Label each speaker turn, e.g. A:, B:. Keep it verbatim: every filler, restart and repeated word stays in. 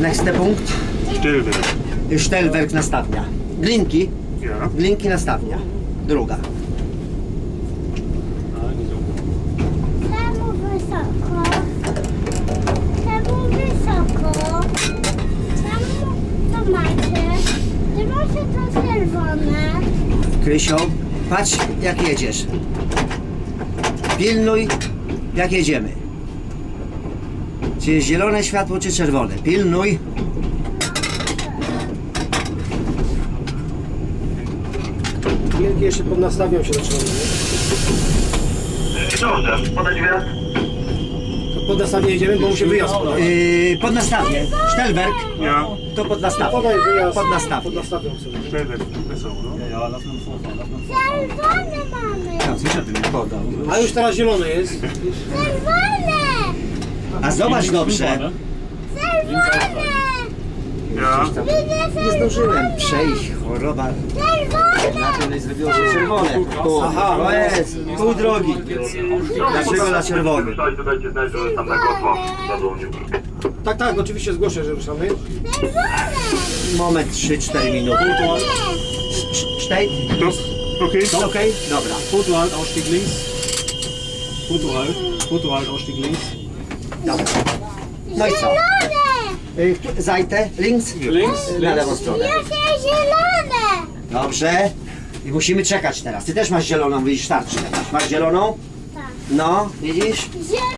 A: Nächster Punkt.
B: Stellwerk.
A: Stellwerk nastawnia. Glinki.
B: Ja.
A: Glinki nastawnia. Druga.
C: Czemu wysoko? Czemu wysoko? Czemu to macie? Czy macie to czerwone?
A: Krysio, patrz jak jedziesz. Pilnuj jak jedziemy. Czy jest zielone światło, czy czerwone? Pilnuj.
D: Wielkie jeszcze podnastawią się do czerwonego.
E: Dobrze, podać wjazd.
D: To pod nastawienie jedziemy, bo musi wyjazd podać.
A: Yy, pod nastawnię. Stellwerk.
B: Ja.
A: To pod nastawnię.
D: Podaj wyjazd.
A: Pod nastawnię.
D: Pod nastawią sobie.
B: Stellwerk. Wesoło, no.
C: Czerwone mamy!
D: A już teraz zielone jest.
C: Czerwone!
A: A zobacz dobrze.
C: Czerwone!
B: Ja.
C: Widzę
A: Nie zdążyłem przejść. Choroba.
C: czerwone!
A: Na tyle zrobiło się czerwone. Tu.
D: Aha,
A: To jest pół drogi. Dlaczego na czerwony?
E: Tutaj dajcie znać, że tam na Gotła zadzwonił.
D: Tak, tak, oczywiście zgłoszę, że ruszamy.
A: Moment, trzy cztery minuty. cztery.
B: Stop. Okay.
A: Okej, dobra.
F: Fotohalt, Ausstieg links. Fotohalt, Fotohalt, Ausstieg links.
A: Dobra. No i co?
C: Zielone!
A: Y, któ- Zajte, links?
F: Links,
A: Na lewą stronę.
C: Jakie zielone!
A: Dobrze. I musimy czekać teraz. Ty też masz zieloną, widzisz, starczy teraz. Masz zieloną?
C: Tak.
A: No, widzisz?
C: Zielone!